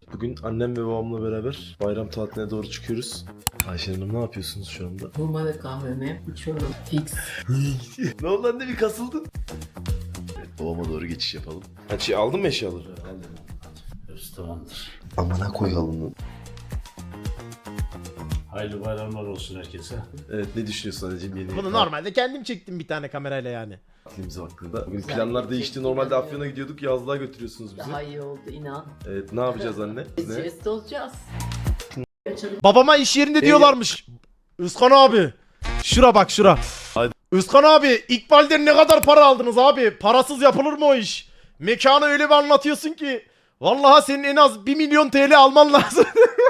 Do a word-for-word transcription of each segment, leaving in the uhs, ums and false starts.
Bugün annem ve babamla beraber bayram tatiline doğru çıkıyoruz. Ayşe Hanım ne yapıyorsunuz şu anda? Normalde kahvemi içiyorum. Fix. Ne oldu anne, bir kasıldın? Evet, babama doğru geçiş yapalım. Ha, şey, aldın mı eşyaları? Aldım. Restorandır. Amına koyalım. Hayırlı bayramlar olsun herkese. Evet, ne düşünüyorsun anneciğim yeni? Bunu normalde kendim çektim bir tane kamerayla yani. tatilimize hakkında. Bugün planlar değişti. Normalde Afyon'a gidiyorduk. Yazlığa götürüyorsunuz bizi. Daha iyi oldu inan. Evet, ne yapacağız anne? Biz Ne? jest olacağız. Açalım. Babama iş yerinde diyorlarmış. Özkan abi. Şura bak şura. Hadi. Özkan abi, İkbal'den ne kadar para aldınız abi? Parasız yapılır mı o iş? Mekanı öyle bir anlatıyorsun ki. Vallahi senin en az bir milyon T L alman lazım.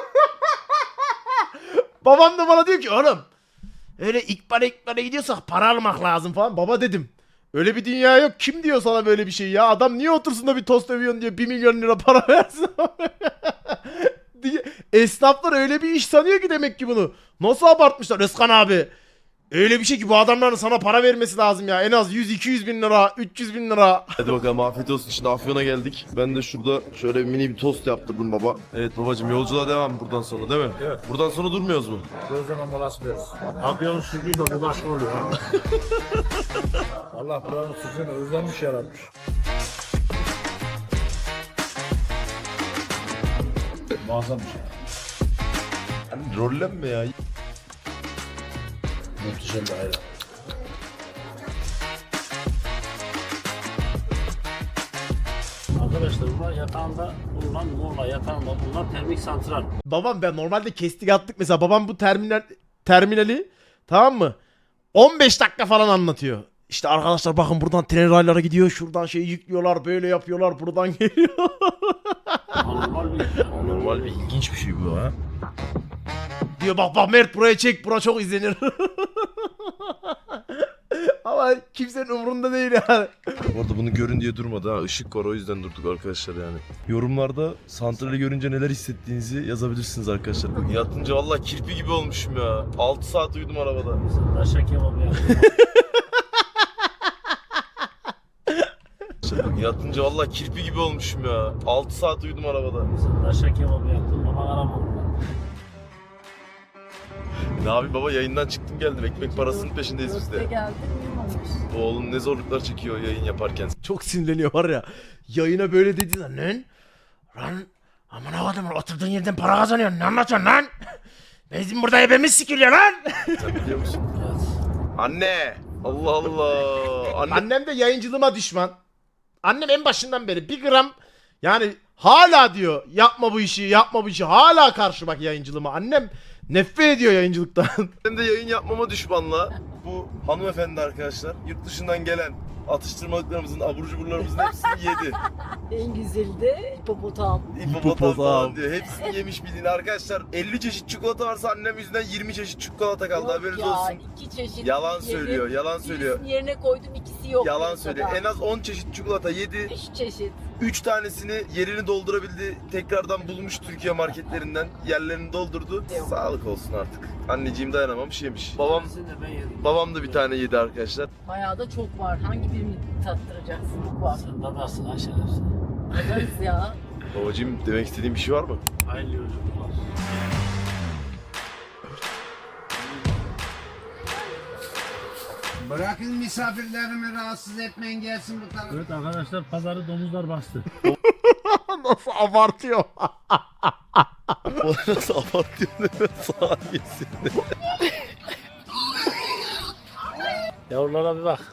Babam da bana diyor ki oğlum öyle İkbal'e İkbal'e gidiyorsak para almak lazım falan. Baba dedim. Öyle bir dünya yok. Kim diyor sana böyle bir şey ya? Adam niye otursun da bir tost övüyorsun diye bir milyon lira para versin diye. Esnaflar öyle bir iş sanıyor ki demek ki bunu. Nasıl abartmışlar Özkan abi? Öyle bir şey ki bu adamların sana para vermesi lazım ya. En az yüz iki yüz bin lira, üç yüz bin lira. Hadi bakalım, afiyet olsun. Şimdi Afyon'a geldik. Ben de şurada şöyle mini bir tost yaptırdım baba. Evet babacığım, yolculuğa devam buradan sonra değil mi? Evet. Buradan sonra durmuyoruz mu? Gözleme molası veriyoruz. Afyon sürgüyü de bu başka oluyor. Allah buranın sürgüne özlenmiş yaratmış. Muazzam bir şey. Hani rollenme ya. Muhteşem bir ayran. Arkadaşlar bunlar yatağında bulunan Muğla yatağında bulunan termik santral. Babam ben normalde kestik attık mesela. Babam bu terminal terminali tamam mı? on beş dakika falan anlatıyor. İşte arkadaşlar bakın buradan tren raylara gidiyor. Şuradan şeyi yüklüyorlar. Böyle yapıyorlar. Buradan geliyor. Normal bir Normal bir ilginç bir şey bu ha. Diyor bak bak Mert buraya çek. Bura çok izlenir. Ama kimsenin umurunda değil yani. Bu arada bunu görün diye durmadı ha. Işık var, o yüzden durduk arkadaşlar yani. Yorumlarda santrali görünce neler hissettiğinizi yazabilirsiniz arkadaşlar. Yatınca vallahi kirpi gibi olmuşum ya. altı saat uyudum arabada. taşak kebabı yaptım. Yatınca vallahi kirpi gibi olmuşum ya. altı saat uyudum arabada. Taşak kebabı yaptım ama aramadım. Ne abi baba, yayından çıktım geldim. Ekmek parasının peşindeyiz biz Dörtte de. geldim uyumamış. Oğlum ne zorluklar çekiyor yayın yaparken. Çok sinirleniyor var ya. Yayına böyle dedi lan. Lan. Lan. Aman avadım oturduğun yerden para kazanıyorsun. Ne anlatıyorsun lan? Bizim burada ebemiz sikiliyor lan. Sen biliyor musun? Anne! Allah Allah! Anne! Annem de yayıncılığıma düşman. Annem en başından beri bir gram yani hala diyor yapma bu işi yapma bu işi, hala karşı bak yayıncılığıma. Annem nefret ediyor yayıncılıktan. Benim de yayın yapmama düşmanla bu hanımefendi arkadaşlar yurt dışından gelen atıştırmalıklarımızın, abur cuburlarımızın hepsini yedi. En güzeli de hipopotam. İpopotam falan diyor. Hepsini yemiş bildiğin arkadaşlar. elli çeşit çikolata varsa annem yüzünden yirmi çeşit çikolata kaldı, Yok haberiniz ya, olsun. iki çeşit. Yalan yedim. söylüyor, yalan söylüyor. Birisini yerine koydum, ikisi yok. Yalan ortada. söylüyor. En az on çeşit çikolata yedi. Üç çeşit. üç tanesini yerini doldurabildi. Tekrardan bulmuş Türkiye marketlerinden. Yerlerini doldurdu. Yok. Sağlık olsun artık. Anneciğim dayanamamış yemiş. Babam İkisini de ben yedim. babam da bir tane yedi arkadaşlar. Bayağı da çok var. Hangi birini tattıracaksın? Çok var. Sen dadarsın aşağısı. Bakarız ya. Babacığım, demek istediğin bir şey var mı? Hayırlı yolculuklar. Bırakın misafirlerimi rahatsız etmeyin, gelsin bu tarafa. Evet arkadaşlar, pazarı domuzlar bastı. Nasıl abartıyor. O nasıl abartıyor, ne saniyesi. Yavrulara bir bak.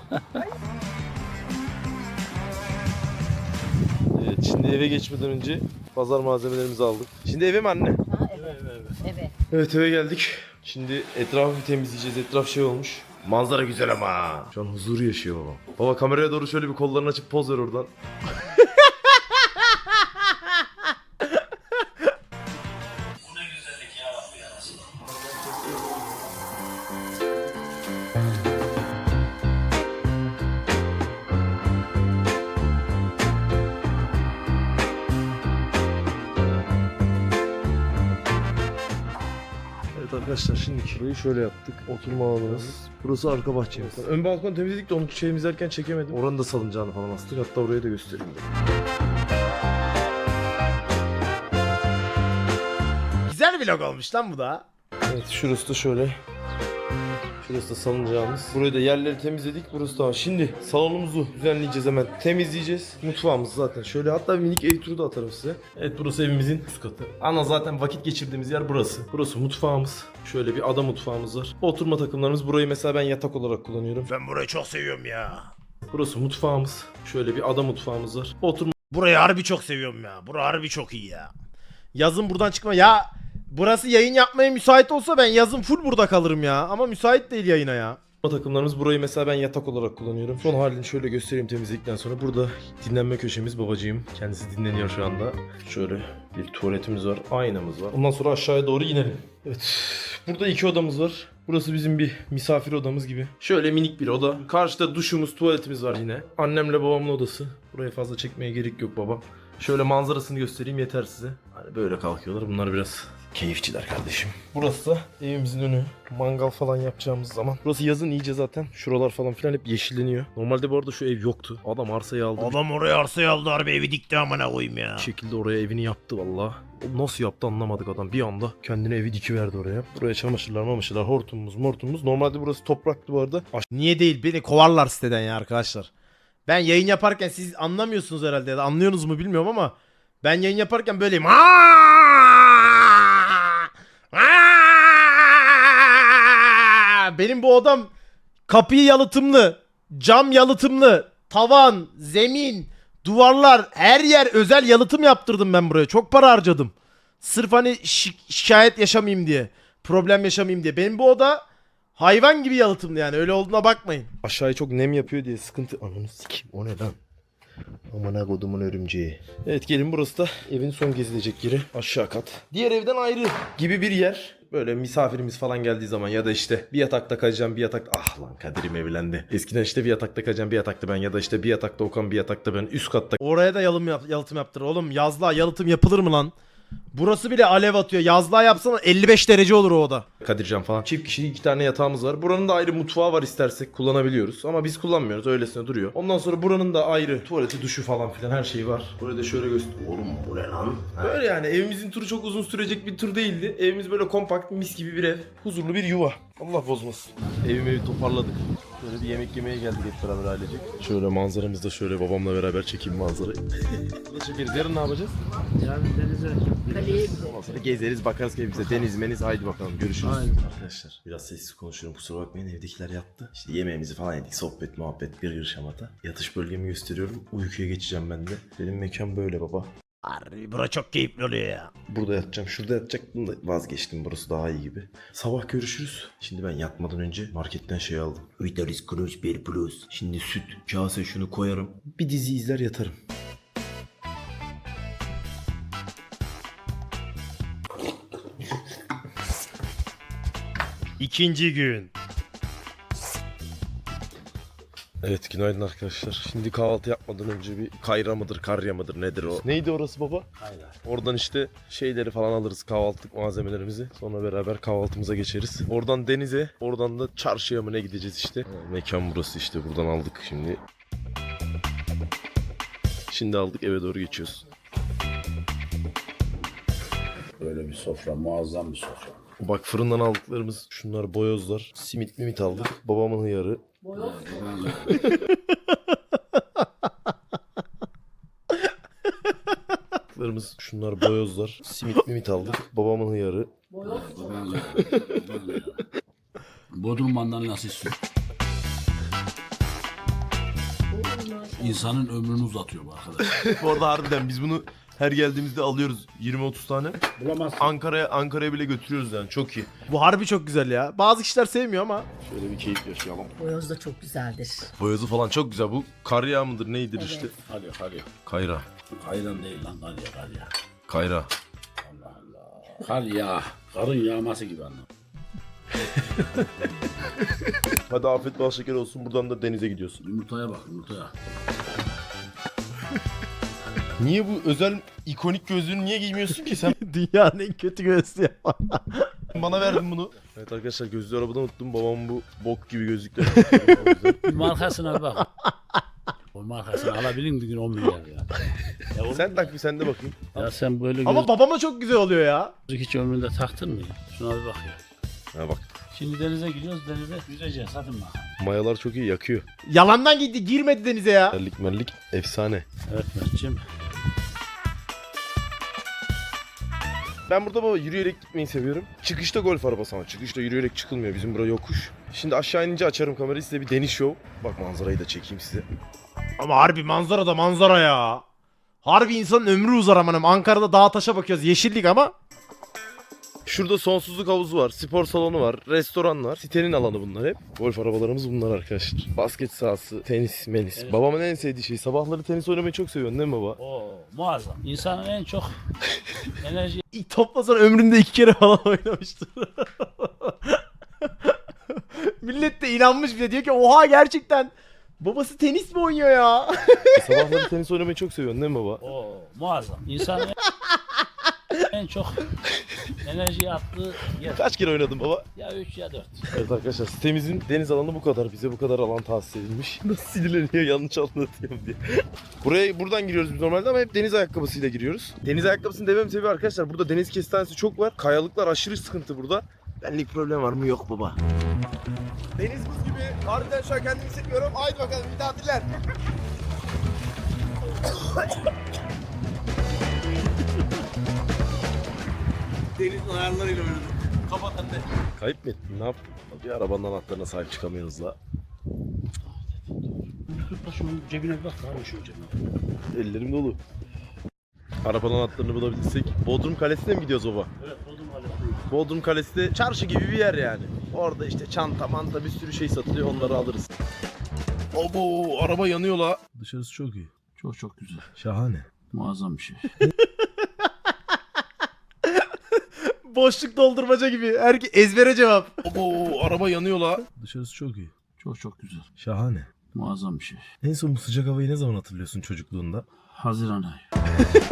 Evet, şimdi eve geçmeden önce pazar malzemelerimizi aldık. Şimdi eve mi anne? Ha, evet. Evet. Evet, eve geldik. Şimdi etrafı bir temizleyeceğiz. Etraf şey olmuş. Manzara güzel ama. Şu an huzuru yaşıyor babam. Baba kameraya doğru şöyle bir kollarını açıp poz ver oradan. Evet arkadaşlar, şimdi burayı şöyle yaptık. Oturma alanımız. Burası arka bahçemiz. Ön balkonu temizledik de onu şey izlerken çekemedim. Oranın da salıncağını falan astık. Hatta orayı da göstereyim dedim. vlog olmuş lan bu da. Evet şurası da şöyle. Şurası da salıncağımız. Burayı da yerleri temizledik. Burası da. Şimdi salonumuzu düzenleyeceğiz hemen. Temizleyeceğiz. Mutfağımız zaten. Şöyle hatta bir minik ev turu da atarım size. Evet burası evimizin üst katı. Ana zaten vakit geçirdiğimiz yer burası. Burası mutfağımız. Şöyle bir ada mutfağımız var. Oturma takımlarımız. Burayı mesela ben yatak olarak kullanıyorum. Ben burayı çok seviyorum ya. Burası mutfağımız. Şöyle bir ada mutfağımız var. Oturma Burayı harbi çok seviyorum ya. Bura harbi çok iyi ya. Yazın buradan çıkma. Ya burası yayın yapmaya müsait olsa ben yazın full burada kalırım ya. Ama müsait değil yayına ya. takımlarımız. Burayı mesela ben yatak olarak kullanıyorum. Son halini şöyle göstereyim temizledikten sonra. Burada dinlenme köşemiz babacığım. Kendisi dinleniyor şu anda. Şöyle bir tuvaletimiz var. Aynamız var. Ondan sonra aşağıya doğru inelim. Evet. Burada iki odamız var. Burası bizim bir misafir odamız gibi. Şöyle minik bir oda. Karşıda duşumuz, tuvaletimiz var yine. Annemle babamın odası. Buraya fazla çekmeye gerek yok babam. Şöyle manzarasını göstereyim yeter size. Hani böyle kalkıyorlar. Bunlar biraz keyifçiler kardeşim. Burası da evimizin önü. Mangal falan yapacağımız zaman. Burası yazın iyice zaten. Şuralar falan filan hep yeşilleniyor. Normalde bu arada şu ev yoktu. Adam arsayı aldı. Adam oraya arsayı aldı harbi evi dikti amına koyayım ya. Bir şekilde oraya evini yaptı valla. Nasıl yaptı anlamadık adam. Bir anda kendine evi dikiverdi oraya. Buraya çamaşırlar mamışırlar, hortumumuz mortumumuz. Normalde burası topraktı bu arada. Niye değil? Beni kovarlar siteden ya arkadaşlar. Ben yayın yaparken siz anlamıyorsunuz herhalde ya da anlıyorsunuz mu bilmiyorum ama ben yayın yaparken böyleyim. Benim bu odam kapıyı yalıtımlı, cam yalıtımlı, tavan, zemin, duvarlar, her yer özel yalıtım yaptırdım ben buraya. Çok para harcadım. Sırf hani şi- şikayet yaşamayayım diye, problem yaşamayayım diye. Benim bu oda hayvan gibi yalıtımlı yani öyle olduğuna bakmayın. Aşağıya çok nem yapıyor diye sıkıntı. Ananı sikeyim o ne lan? Amına kodumun örümceği. Evet gelin burası da evin son gezilecek yeri. Aşağı kat. Diğer evden ayrı gibi bir yer. Böyle misafirimiz falan geldiği zaman ya da işte bir yatakta kalacağım bir yatakta. Ah lan Kadir'im evlendi. Eskiden işte bir yatakta kalacağım bir yatakta ben ya da işte bir yatakta Okan bir yatakta ben üst katta. Oraya da yalım yap- yalıtım yaptır. Oğlum yazlığa yalıtım yapılır mı lan? Burası bile alev atıyor. Yazlığa yapsana elli beş derece olur o oda. Kadircan falan. Çift kişilik iki tane yatağımız var. Buranın da ayrı mutfağı var istersek kullanabiliyoruz. Ama biz kullanmıyoruz. Öylesine duruyor. Ondan sonra buranın da ayrı tuvaleti, duşu falan filan her şeyi var. Burayı da şöyle göster. Oğlum bu ne lan? Böyle yani evimizin turu çok uzun sürecek bir tur değildi. Evimiz böyle kompakt mis gibi bir ev. Huzurlu bir yuva. Allah bozmasın. Evimi evi toparladık. Böyle bir yemek yemeye geldik hep beraber ailecek. Şöyle manzaramızda şöyle babamla beraber çekeyim manzarayı. Ne çekeriz? Yarın ne yapacağız? Yani denize. Kaleye Ondan sonra gezeriz bakarız keyfimize. Deniz meniz haydi bakalım görüşürüz. Aynen. Arkadaşlar biraz sessiz konuşuyorum kusura bakmayın evdekiler yattı. İşte yemeğimizi falan yedik sohbet muhabbet gırgır şamata. Yatış bölgemi gösteriyorum uykuya geçeceğim ben de. Benim mekan böyle baba. Harbi bura çok keyifli oluyor ya. Burada yatacağım şurada yatacaktım da vazgeçtim burası daha iyi gibi. Sabah görüşürüz. Şimdi ben yatmadan önce marketten şey aldım. Vitalis Crunch bir Plus. Şimdi süt kase şunu koyarım. Bir dizi izler yatarım. İkinci gün. Evet günaydın arkadaşlar. Şimdi kahvaltı yapmadan önce bir kayra mıdır karya mıdır nedir o? Neydi orası baba? Kayra. Oradan işte şeyleri falan alırız kahvaltılık malzemelerimizi. Sonra beraber kahvaltımıza geçeriz. Oradan denize, oradan da çarşıya mı ne gideceğiz işte. Ha, mekan burası işte buradan aldık şimdi. Şimdi aldık eve doğru geçiyoruz. Böyle bir sofra, muazzam bir sofra. Bak fırından aldıklarımız şunlar boyozlar. Simit mimit aldık. Babamın hıyarı. Aldıklarımız şunlar boyozlar. Simit mimit aldık. Babamın hıyarı. Bodrum mandalina süt. İnsanın ömrünü uzatıyor bu arkadaş. Bu arada harbiden biz bunu her geldiğimizde alıyoruz yirmi otuz tane. Bulamazsın. Ankara'ya Ankara'ya bile götürüyoruz yani çok iyi. Bu harbi çok güzel ya. Bazı kişiler sevmiyor ama. Şöyle bir keyif yaşayalım. boyoz da çok güzeldir. Boyozu falan çok güzel. Bu kar yağı mıdır neydir Evet. işte. Hadi hadi. Kayra. Kayran değil lan kar ya kar ya. Kayra. Allah Allah. Kar ya. Karın yağması gibi anlam. Hadi afiyet bal şeker olsun. Buradan da denize gidiyorsun. Yumurtaya bak yumurtaya. Niye bu özel ikonik gözlüğünü niye giymiyorsun ki sen? Dünyanın en kötü gözlüğü. Bana verdin bunu. Evet arkadaşlar gözlüğü arabada unuttum. Babam bu bok gibi gözlükler. Bir markasına bir bak. O markasını alabilir mi bir gün on milyar ya? Ya, oğlum, Sen tak bir sen de bakayım. ya sen böyle Ama babama çok güzel oluyor ya. gözlük hiç ömründe taktın mı? Şuna bir bak ya. Ha bak. Şimdi denize gidiyoruz, denize yüzeceğiz. Hadi bakalım. Mayalar çok iyi yakıyor. Yalandan gitti, girmedi denize ya. Mellik mellik efsane. Evet Mert'ciğim. Ben burada baba yürüyerek gitmeyi seviyorum. Çıkışta golf arabası ama çıkışta yürüyerek çıkılmıyor. Bizim bura yokuş. Şimdi aşağı inince açarım kamerayı, size bir deniz şov. Bak manzarayı da çekeyim size. Ama harbi manzara da manzara ya. Harbi insanın ömrü uzar amanım. Ankara'da dağ taşa bakıyoruz. Yeşillik ama. Şurada sonsuzluk havuzu var, spor salonu var, restoran var. Sitenin alanı bunlar hep. Golf arabalarımız bunlar arkadaşlar. Basket sahası, tenis, menis. Evet. Babamın en sevdiği şey. Sabahları tenis oynamayı çok seviyorsun değil mi baba? Oo, muazzam. İnsanın en çok enerji İlk toplasan ömründe iki kere falan oynamıştır. Millet de inanmış bile, diyor ki oha gerçekten babası tenis mi oynuyor ya? Sabahları tenis oynamayı çok seviyorsun değil mi baba? Oo, muazzam. İnsanın en çok enerji attığı yer. Kaç kere oynadın baba? Ya üç ya dört. Evet arkadaşlar, sitemizin deniz alanı bu kadar. Bize bu kadar alan tahsis edilmiş. Nasıl sinirleniyor yanlış anlatıyorum diye. Buraya buradan giriyoruz biz normalde ama hep deniz ayakkabısıyla giriyoruz. Deniz ayakkabısını demem sebebi arkadaşlar, burada deniz kestanesi çok var. Kayalıklar aşırı sıkıntı burada. Benlik problem var mı? Yok baba. Deniz buz gibi. Harbiden şu an kendimi hissetmiyorum. Haydi bakalım bir daha diler. Denizin ayarlarıyla oynadım. Kapat anne. Kayıp mı ettin? Ne yaptın? Bir arabanın anahtarına sahip çıkamıyoruz la. Tut da şunun cebine bir bak. Var mı şunun cebine? Ellerim dolu. Arabanın anahtarını bulabilirsek. Bodrum Kalesi'ne mi gidiyoruz baba? Evet, buldum hala. Bodrum Kalesi de çarşı gibi bir yer yani. Orada işte çanta manta bir sürü şey satılıyor, onları alırız. Obo, araba yanıyor la. Dışarısı çok iyi. Çok çok güzel. Şahane. Muazzam bir şey. Boşluk doldurmaca gibi. Herkes ezbere cevap. Obo, araba yanıyor la. Dışarısı çok iyi. Çok çok güzel. Şahane. Muazzam bir şey. En son bu sıcak havayı ne zaman hatırlıyorsun çocukluğunda? Haziran ayı.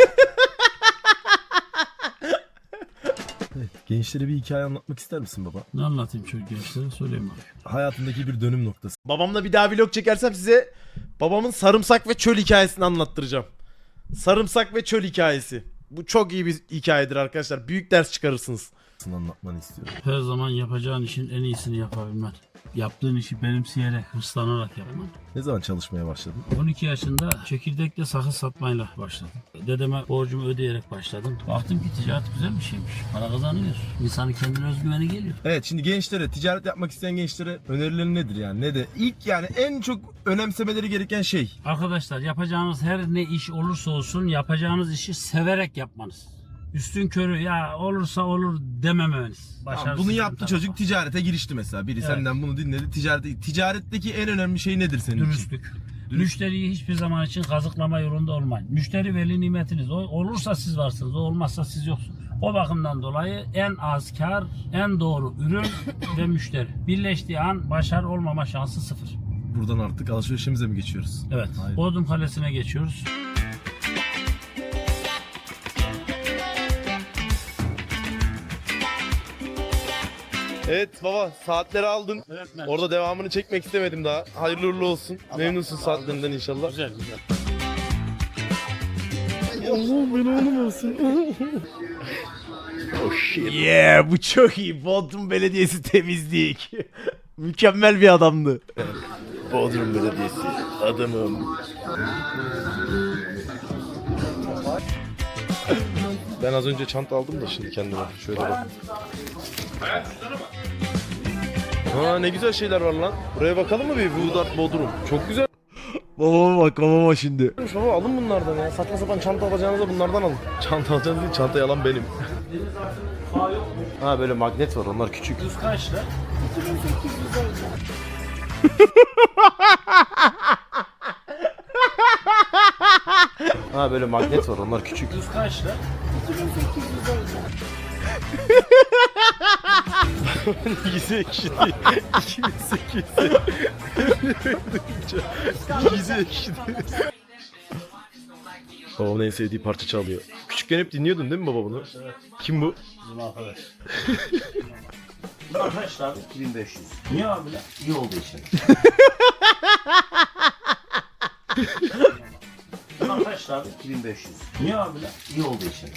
Evet, gençlere bir hikaye anlatmak ister misin baba? Ne anlatayım çocuk gençlere, söyleyeyim abi. Hayatındaki bir dönüm noktası. Babamla bir daha vlog çekersem size babamın sarımsak ve çöl hikayesini anlattıracağım. Sarımsak ve çöl hikayesi. Bu çok iyi bir hikayedir arkadaşlar. Büyük ders çıkarırsınız. Anlatmanı istiyorum. Her zaman yapacağın işin en iyisini yapabilmen. Yaptığın işi benimseyerek, hırslanarak yapman. Ne zaman çalışmaya başladın? on iki yaşında çekirdekle sakız satmayla başladım. Dedeme borcumu ödeyerek başladım. Baktım ki ticaret güzel bir şeymiş. Para kazanıyor. İnsanın kendine özgüveni geliyor. Evet, şimdi gençlere, ticaret yapmak isteyen gençlere önerilerin nedir yani? Ne de ilk yani en çok önemsemeleri gereken şey. Arkadaşlar, yapacağınız her ne iş olursa olsun yapacağınız işi severek yapmanız. Üstün körü ya olursa olur dememeniz. Tamam, bunu yaptı çocuk, ticarete girişti mesela. Biri Evet. senden bunu dinledi. Ticarete, ticaretteki en önemli şey nedir senin için? Dürüstlük. Müşteriyi hiçbir zaman için kazıklama yolunda olmayın. Müşteri veli nimetiniz. O olursa siz varsınız, o olmazsa siz yoksunuz. O bakımdan dolayı en az kar, en doğru ürün ve müşteri. Birleştiği an başarı olmama şansı sıfır. Buradan artık alışverişimize mi geçiyoruz? Evet. Hayır. Bodrum Kalesi'ne geçiyoruz. Evet baba, saatleri aldın. Evet, Mert. Orada devamını çekmek istemedim daha. Hayırlı uğurlu olsun. Memnunsun saatlerinden inşallah. Güzel güzel. Allah'ım ben oğlum olsun. Oh shit. Yeah, bu çok iyi. Bodrum Belediyesi temizlik. Mükemmel bir adamdı. Bodrum Belediyesi adamım. Ben az önce çanta aldım da şimdi kendime. Şöyle bak. Ha, ne güzel şeyler var lan. Buraya bakalım mı bir? Vudart Bodrum. Çok güzel. Babama bak, babama şimdi. Baba alın bunlardan ya. Saçma sapan çanta alacağınıza bunlardan alın. Çanta alacağınız değil, çantayı alan benim. Ha, böyle magnet var, onlar küçük. Düz kaç lira? Ha, böyle magnet var, onlar küçük. Düz kaç lira? Yüzü ekşidi. iki bin sekiz. Yüzü ekşidi. Babamın en sevdiği parça çalıyor. Küçükken hep dinliyordun değil mi baba bunu? Evet. Kim bu? Bizim arkadaş. Arkadaşlar iki bin beş yüz. niye abi lan? İyi oldu işte. Arkadaşlar iki bin beş yüz. niye abi lan? İyi oldu için.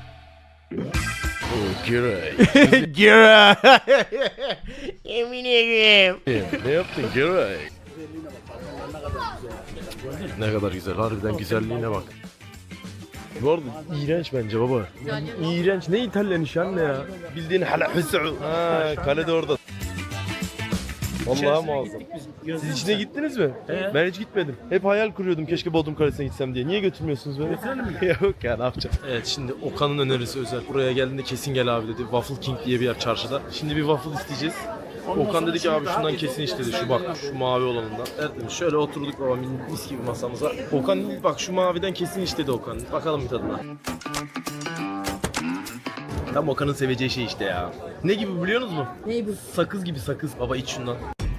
Gira. Yemin ederim. Ne yaptın Geray? Ne kadar güzel. Harbiden güzelliğine bak. Bu arada iğrenç bence baba. İğrenç. Ne İtalyan iş anne ya? Bildiğin hala hüsü. Ha, kale de orada. Vallahi muazzam. Siz içine gittiniz mi? He. Ben hiç gitmedim. Hep hayal kuruyordum keşke Bodrum Kalesi'ne gitsem diye. Niye götürmüyorsunuz beni? Yok ya ne yapacağım? Evet şimdi Okan'ın önerisi özel. Buraya geldiğinde kesin gel abi dedi. Waffle King diye bir yer çarşıda. Şimdi bir waffle isteyeceğiz. Okan dedi ki abi şundan kesin iç dedi. Şu bak şu mavi olanından. Evet demiş. Şöyle oturduk baba mis gibi masamıza. Okan bak şu maviden kesin iç dedi Okan. Bakalım bir tadına. Tam Okan'ın seveceği şey işte ya. Ne gibi biliyorsunuz mu? Ne bu? Sakız gibi sakız. Baba iç şundan.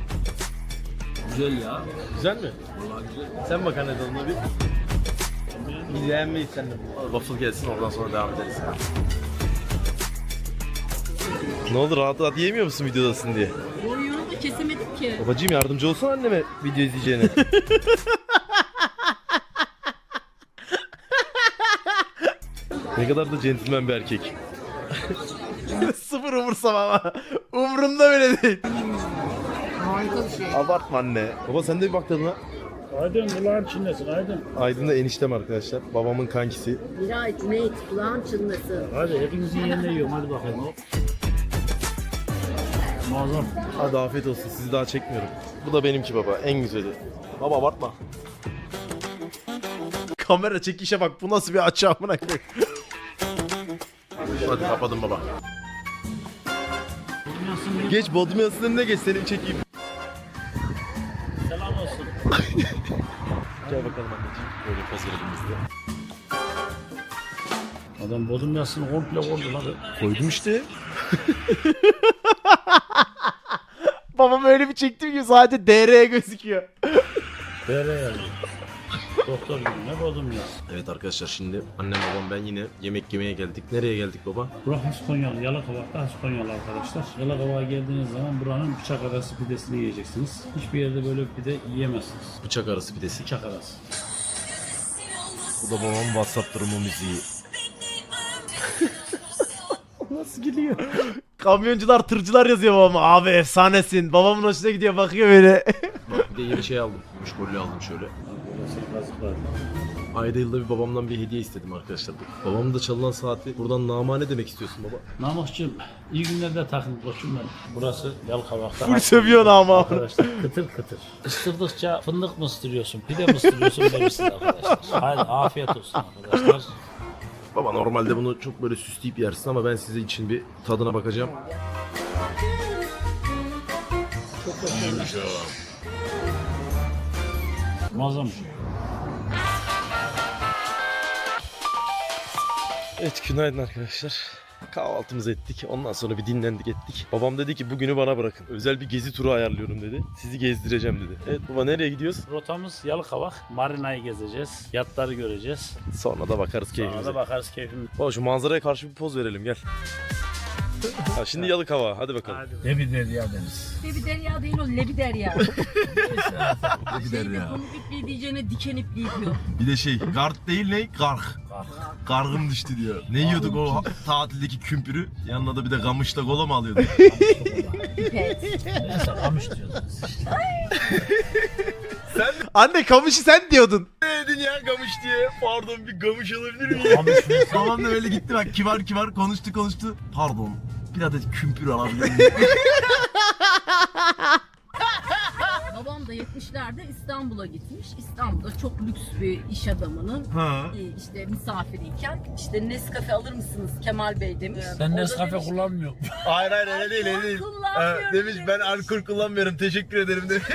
Güzel ya. Güzel mi? Vallahi güzel. Sen bak anne tadına bir. Biz beğenmeyiz seninle. Waffle gelsin oradan sonra devam ederiz. Ne oldu rahat rahat yiyemiyor musun videodasın diye? Boyunu da kesemedim ki. Babacığım yardımcı olsana anneme video izleyeceğine. Ne kadar da centilmen bir erkek. Sıfır umursama ama. Umurumda bile değil. Harika bir şey. Abartma anne. Baba sen de bir bak tadına. Aydın kulağın çinlesin Aydın. Aydın da eniştem arkadaşlar. Babamın kankisi. Miray, Cüneyt, kulağın çınlasın. Hadi hepinizin yerine yiyorum hadi bakalım. Muazzam. Hadi afiyet olsun sizi daha çekmiyorum. Bu da benimki baba en güzeli. Baba abartma. Kamera çekişe bak bu nasıl bir açı amına koyayım. Hadi kapadım baba. Nasılsın? Geç Bodrum Yası'nın önüne geç seni çekeyim. Selam olsun. Gel bakalım anneciğim. Böyle poz verelim biz de. Adam bodrum yasını komple vurdu lan. Koydum işte. Babam öyle bir çektim ki sadece D R gözüküyor. Bere yani. Doktor gibi ne bodrum yas. Evet arkadaşlar şimdi annem babam ben yine yemek yemeye geldik. Nereye geldik baba? Burası Haskonyalı, Yalıkavak'ta Haskonyalı arkadaşlar. Yalıkavak'a geldiğiniz zaman buranın bıçak arası pidesini yiyeceksiniz. Hiçbir yerde böyle bir pide yiyemezsiniz. Bıçak arası pidesi. Bıçak arası. Bu da babamın WhatsApp durumu müziği. Nasıl gülüyor? Kamyoncular, tırcılar yazıyor babama. Abi efsanesin. Babamın hoşuna gidiyor bakıyor böyle. Bak bir de yeni şey aldım. Müşkollü aldım şöyle. Burası kazıklar. Ayda yılda bir babamdan bir hediye istedim arkadaşlar. Babamın da çalınan saati buradan namane demek istiyorsun baba. Namıkçığım iyi günlerde takın koçum ben. Burası Yalıkavak'ta. Full sövüyor ama. Arkadaşlar kıtır kıtır. Isırdıkça fındık mı ısırıyorsun, pide mi ısırıyorsun demişsiniz arkadaşlar. Hadi afiyet olsun arkadaşlar. Baba normalde bunu çok böyle süsleyip yersin ama ben size için bir tadına bakacağım. Muazzam. Evet günaydın arkadaşlar. Kahvaltımızı ettik. Ondan sonra bir dinlendik ettik. Babam dedi ki bugünü bana bırakın. Özel bir gezi turu ayarlıyorum dedi. Sizi gezdireceğim dedi. Evet baba nereye gidiyoruz? Rotamız Yalıkavak. Marina'yı gezeceğiz. Yatları göreceğiz. Sonra da bakarız Sonra keyfimize. da bakarız keyfimize. Baba şu manzaraya karşı bir poz verelim gel. Ha, şimdi Yalıkava hadi bakalım. Ne bir derya deniz. Lebi derya değil o lebi derya. Bir Şeyde pamuk ipliği diyeceğine diken ipliği diyor. Bir de şey gard değil ne? Garg. Gargım düştü diyor. Ne yiyorduk o tatildeki kümpürü? Yanına da bir de kamışla kola mı alıyorduk? Pipet. Neyse kamış diyoruz. Anne kamışı sen diyordun. Ne dedin ya gamış diye? Pardon bir gamış alabilir miyim? Kamış mı? Babam da öyle gitti bak kibar kibar konuştu konuştu. Pardon bir adet kümpür alabilir miyim? Babam da yetmişlerde İstanbul'a gitmiş. İstanbul'da çok lüks bir iş adamının Ha. e, işte misafiriyken işte Nescafe alır mısınız Kemal Bey demiş. Sen O da Nescafe demiş, kullanmıyor. Hayır hayır öyle değil öyle değil. Kullanmıyorum Ha, demiş ben alkol kullanmıyorum teşekkür ederim demiş.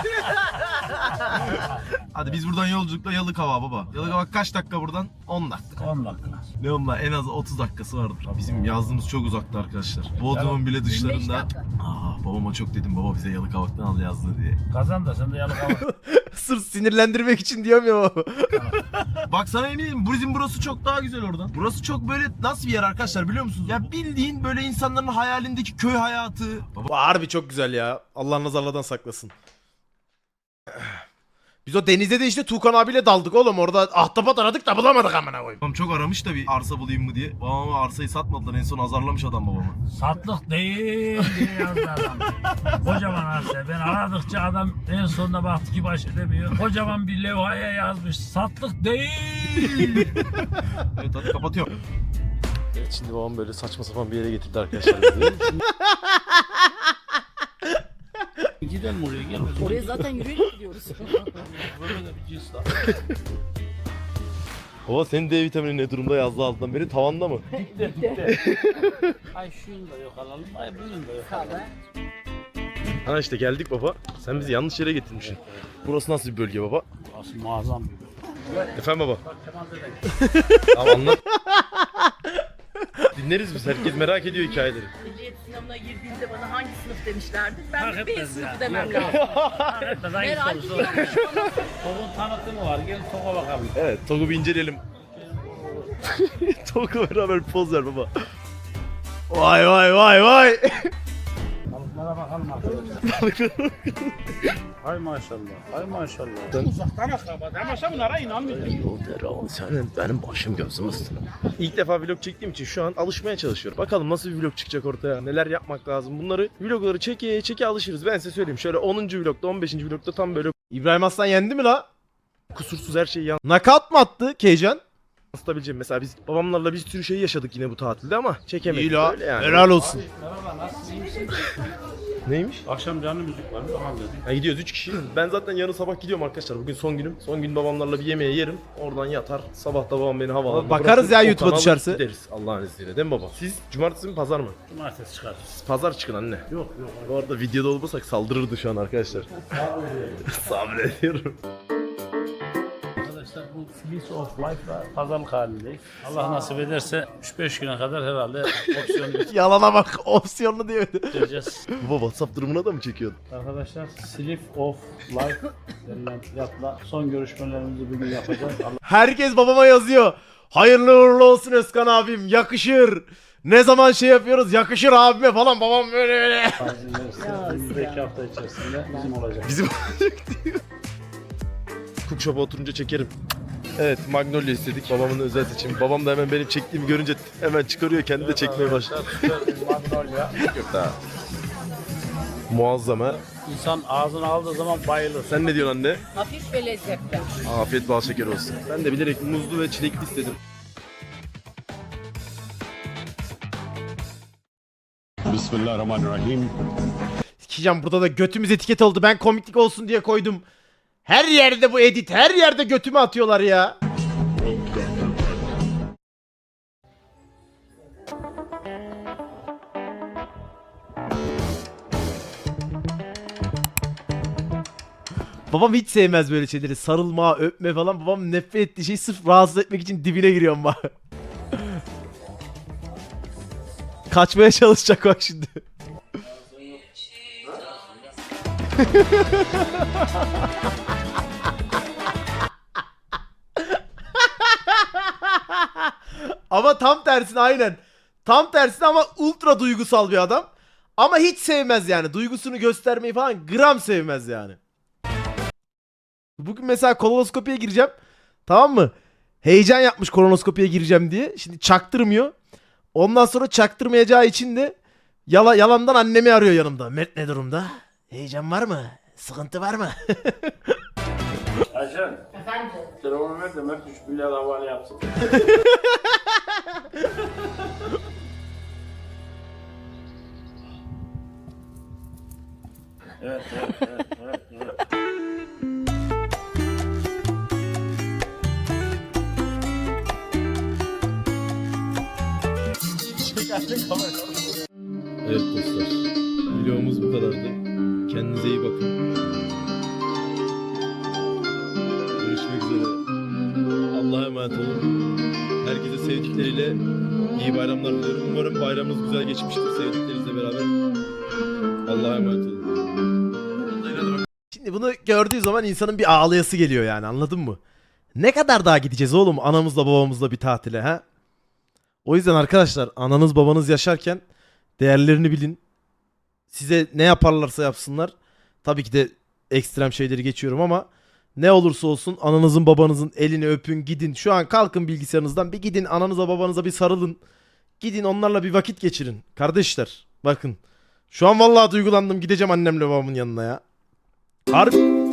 Hadi biz buradan yolculukla Yalıkava baba. Yalıkava kaç dakika buradan? on dakika. on dakika. Ne onunla en az otuz dakikası vardır. Bizim yazdığımız çok uzakta arkadaşlar. Bodrum'un bile yirmi beş dışlarında. dakika. Aa, babama çok dedim baba bize Yalıkavak'tan al yazdı diye. Kazan da sen de Yalıkavak. Sırf sinirlendirmek için diyorum ya baba. Bak sana eminim bizim burası çok daha güzel oradan. Burası çok böyle nasıl bir yer arkadaşlar biliyor musunuz? Ya bildiğin böyle insanların hayalindeki köy hayatı. Baba Harbi çok güzel ya. Allah nazarlardan saklasın. Biz o denizde de işte Tuğkan abiyle daldık oğlum. Orada ahtapot aradık da bulamadık amına koyayım. Babam çok aramış da bir arsa bulayım mı diye. Babama arsayı satmadılar. En son azarlamış adam babamı. Satlık değil diye yazdı adam. Kocaman arsa. Ben aradıkça adam en sonunda baktı ki baş edemiyor. Kocaman bir levhaya yazmış. Satlık değil. Evet hadi kapatıyorum. Evet şimdi babam böyle saçma sapan bir yere getirdi arkadaşlar bizi. Gidelim oraya gel. Oraya zaten yürüyerek gidiyoruz. Böyle de bir cins daha. Baba senin D vitamini ne durumda yazdı altından beri tavanda mı? Dikte dikte. Ay şunu da yok alalım. Ay bunun da yok alalım. Ha işte geldik baba. Sen bizi yanlış yere getirmişsin. Burası nasıl bir bölge baba? Aslında muazzam bir bölüm. Efendim baba. Bak Kemal dede. Tamam anlat. Dinleriz biz. Herkes merak ediyor hikayeleri. Ehliyet sınavına girdiğimde bana hangi sınıf demişlerdi? Ben Fark de B etmez sınıfı ya. demem Yok. lazım. Herkes hangi Merak sorusu? ediyormuş bana. Tokun tanıtımı var. Gelin Tok'a bakalım. Evet, Tog'u bir inceleyelim. Tog'u beraber bir poz ver baba. Vay vay vay vay. Balıklara bakalım arkadaşlar. Hay maşallah. Hay maşallah. Uzaktan akraba. Ama bunlara inanmıyorum. Senin benim başım gözüm üstüne. İlk defa vlog çektiğim için şu an alışmaya çalışıyorum. Bakalım nasıl bir vlog çıkacak ortaya. Neler yapmak lazım. Bunları vlogları çeke çeke alışırız. Ben size söyleyeyim. Şöyle onuncu vlogda on beşinci vlogda tam böyle İbrahim Aslan yendi mi la? kusursuz her şeyi Nakat mı attı Keycan? yansıtabileceğim. Mesela biz babamlarla bir sürü şey yaşadık yine bu tatilde ama çekemedik. İyi la. Öyle yani. Helal olsun. Merhaba nasılsın? İyi misin? Neymiş? Akşam canlı müzik var. Bakalım dedim. Ha, gidiyoruz üç kişi. Ben zaten yarın sabah gidiyorum arkadaşlar. Bugün son günüm. Son gün babamlarla bir yemeğe yerim. Oradan yatar. Sabah da babam beni havalarına Bakarız ya bırakır. YouTube'a O kanala düşerse. Gideriz Allah'ın izniyle değil mi baba? Siz cumartesi mi pazar mı? Cumartesi çıkar. Siz pazar çıkın anne. Yok yok. Bu arada videoda olmasak saldırırdı şu an arkadaşlar. Sabrediyorum. Arkadaşlar bu Fleece of Life'la pazarlık halindeyiz. Allah nasip ederse üç beş güne kadar herhalde opsiyon Yalana bak opsiyonlu diyor. göstereceğiz. Baba WhatsApp durumuna da mı çekiyordun? Arkadaşlar Sleeve of Life denilen fiyatla son görüşmelerimizi bugün yapacağız. Allah Herkes babama yazıyor. Hayırlı uğurlu olsun Özkan abim. Yakışır. Ne zaman şey yapıyoruz yakışır abime falan. Babam böyle böyle. izin verirse önümüzdeki hafta içerisinde bizim olacak. Bizim olacak diyor. Cookshop'a oturunca çekerim. Evet Magnolia istedik babamın özel seçimi. Babam da hemen benim çektiğimi görünce hemen çıkarıyor kendi de çekmeye başlıyor. Magnolia. Yok daha. Muazzam ha. İnsan ağzına aldığı zaman bayılır. Sen ne diyorsun anne? Hafif ve lezzetli. Afiyet bal şeker olsun. Ben de bilerek muzlu ve çilekli istedim. Bismillahirrahmanirrahim. Sikeceğim burada da götümüz etiket oldu. Ben komiklik olsun diye koydum. Her yerde bu edit. Her yerde götümü atıyorlar ya. Babam hiç sevmez böyle şeyleri. Sarılma, öpme falan. Babam nefret ettiği şey sırf rahatsız etmek için dibine giriyorum bak. Kaçmaya çalışacak bak şimdi. Ama tam tersine aynen. Tam tersine ama ultra duygusal bir adam. Ama hiç sevmez yani. Duygusunu göstermeyi falan gram sevmez yani. Bugün mesela kolonoskopiye gireceğim. Tamam mı? Heyecan yapmış kolonoskopiye gireceğim diye. Şimdi çaktırmıyor. Ondan sonra çaktırmayacağı için de yala, yalandan annemi arıyor yanımda. Mert ne durumda? Heyecan var mı? Sıkıntı var mı? Ayşen. Efendim? Telefonu ver de Mert üç milyar havale yapsın. Evet, evet, evet, evet, evet. Evet dostlar. Videomuz bu kadardı. Kendinize iyi bakın. Görüşmek üzere. Allah'a emanet olun. Herkese sevdikleriyle iyi bayramlar diliyorum. Umarım bayramınız güzel geçmiştir sevdiklerinizle beraber. Allah'a emanet olun. Şimdi bunu gördüğü zaman insanın bir ağlayası geliyor yani, anladın mı? Ne kadar daha gideceğiz oğlum anamızla babamızla bir tatile ha? O yüzden arkadaşlar ananız babanız yaşarken değerlerini bilin. Size ne yaparlarsa yapsınlar. Tabii ki de ekstrem şeyleri geçiyorum ama Ne olursa olsun ananızın babanızın elini öpün, gidin. Şu an kalkın bilgisayarınızdan bir gidin ananıza babanıza bir sarılın. Gidin onlarla bir vakit geçirin. Kardeşler bakın. Şu an vallahi duygulandım, gideceğim annemle babamın yanına ya. Harbi.